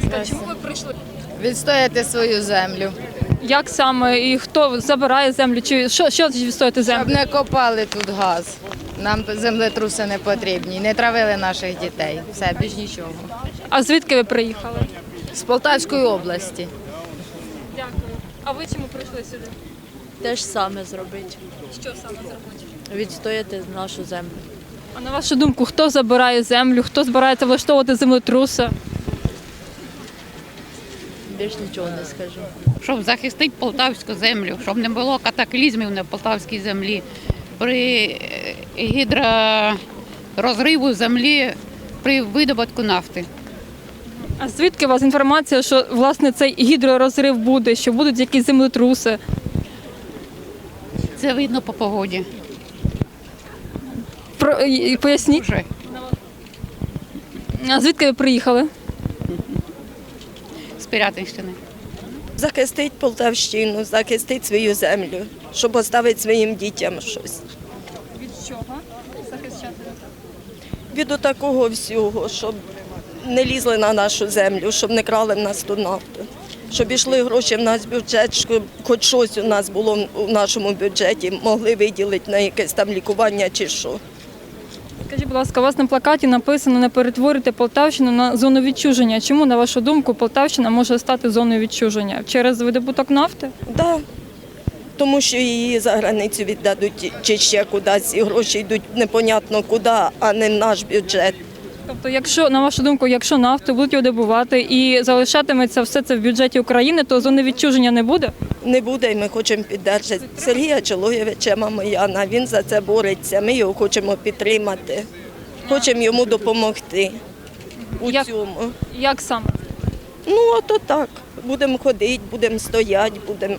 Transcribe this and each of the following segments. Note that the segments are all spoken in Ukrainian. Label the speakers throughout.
Speaker 1: ласка, чому ви прийшли?
Speaker 2: Відстояти свою землю.
Speaker 1: Як саме і хто забирає землю? Чи що відстояти
Speaker 2: Щоб
Speaker 1: землю?
Speaker 2: не копали тут газ. Нам землетруси не потрібні. Не травили наших дітей. Все, більш нічого.
Speaker 1: А звідки ви приїхали?
Speaker 2: З Полтавської області.
Speaker 1: Дякую. А ви чому прийшли сюди?
Speaker 3: Те ж саме зробити,
Speaker 1: Що саме зробити?
Speaker 3: відстояти нашу землю.
Speaker 1: А на вашу думку, хто забирає землю, хто збирається влаштовувати землетруси?
Speaker 3: Більш нічого не скажу.
Speaker 4: Щоб захистити полтавську землю, щоб не було катаклізмів на полтавській землі. При гідророзриву землі при видобутку нафти.
Speaker 1: А звідки у вас інформація, що власне цей гідророзрив буде, що будуть якісь землетруси?
Speaker 4: Це видно по погоді.
Speaker 1: Поясніть.
Speaker 4: Вже.
Speaker 1: А звідки ви приїхали?
Speaker 4: З Пирятинщини.
Speaker 5: Захистить Полтавщину, захистить свою землю, щоб оставити своїм дітям щось.
Speaker 1: Від чого захищати?
Speaker 5: Від такого всього, щоб не лізли на нашу землю, щоб не крали в нас ту нафту. Щоб йшли гроші в нас в бюджет, щоб хоч щось у нас було в нашому бюджеті, могли виділити на якесь там лікування чи що.
Speaker 1: Скажіть, будь ласка, у вас на плакаті написано «Не перетворюйте Полтавщину на зону відчуження». Чому, на вашу думку, Полтавщина може стати зоною відчуження? Через видобуток нафти?
Speaker 5: Да. Тому що її за границю віддадуть чи ще кудись, і гроші йдуть непонятно куди, а не в наш бюджет.
Speaker 1: Тобто, якщо, на вашу думку, якщо нафту будуть видобувати і залишатиметься все це в бюджеті України, то зони відчуження не буде?
Speaker 5: Не буде, і ми хочемо підтримати Сергія Чолоєвича Мамояна. Він за це бореться. Ми його хочемо підтримати, хочемо йому допомогти у цьому.
Speaker 1: Як саме?
Speaker 5: Ну, ото так. Будемо ходити, будемо стояти, будемо.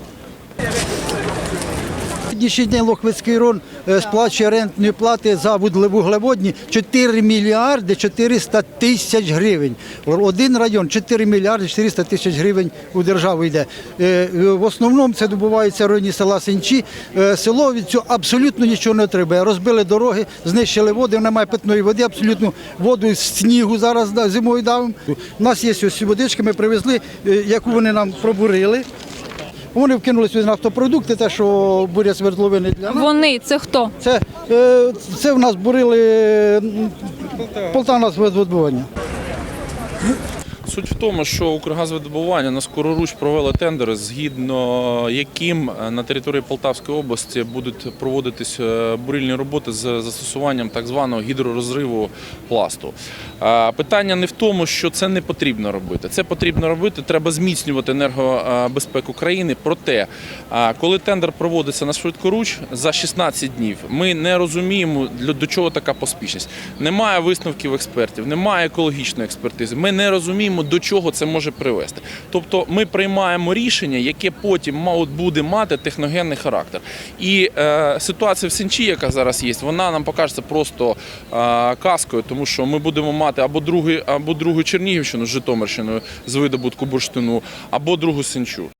Speaker 6: Сьогоднішній день Лохвицький район сплачує рентної плати за вуглеводні 4 мільярди 400 тисяч гривень. Один район 4 мільярди 400 тисяч гривень у державу йде. В основному це добувається в районі села Сенчі. Село від цього абсолютно нічого не отримує. Розбили дороги, знищили води, немає питної води, абсолютно воду з снігу зараз зимою давимо. У нас є ось водички, ми привезли, яку вони нам пробурили. Вони вкинули сюди нафтопродукти, те, що бурять свердловини для нас.
Speaker 1: Вони – це хто?
Speaker 6: Це в нас бурили Полтавназвидобування.
Speaker 7: Суть в тому, що Укргазвидобування на скороруч провело тендер, згідно яким на території Полтавської області будуть проводитись бурильні роботи з застосуванням так званого гідророзриву пласту. Питання не в тому, що це не потрібно робити. Це потрібно робити, треба зміцнювати енергобезпеку країни. Проте, коли тендер проводиться на швидкоруч за 16 днів, ми не розуміємо, до чого така поспішність. Немає висновків експертів, немає екологічної експертизи. Ми не розуміємо, до чого це може привести. Тобто ми приймаємо рішення, яке потім буде мати техногенний характер. І ситуація в Сенчі, яка зараз є, вона нам покажеться просто казкою, тому що ми будемо мати або другу Чернігівщину з Житомирщиною з видобутку бурштину, або другу Сенчу.